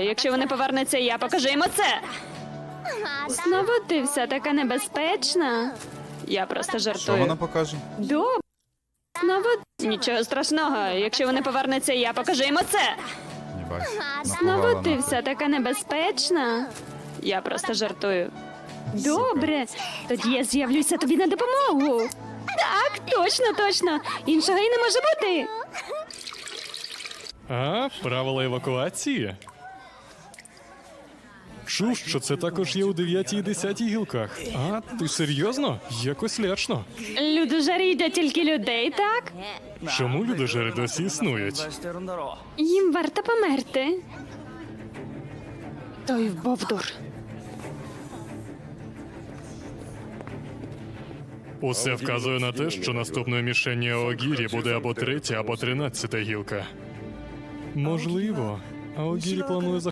Якщо вони повернуться, я покажу їм оце. Знову ти вся така небезпечна. Я просто Що жартую. вона покаже? Добре. Знову нічого страшного. Якщо вони повернуться, я покажу їм оце. Єбать. Знову напугала ти нахуй. вся така небезпечна. Я просто жартую. Добре, тоді я з'явлюся тобі на допомогу. Так, точно. Іншого і не може бути. А, правила евакуації? Чув, що це також є у 9 і 10 гілках. А, ти серйозно? Якось лячно. Людожери їдять тільки людей, так? Чому людожери досі існують? してるんだろ Їм варто померти. Той бовдур. Усе вказує на те, що наступною мішенню Аогірі буде або 3-я, або 13-та гілка. Можливо, Аогірі планує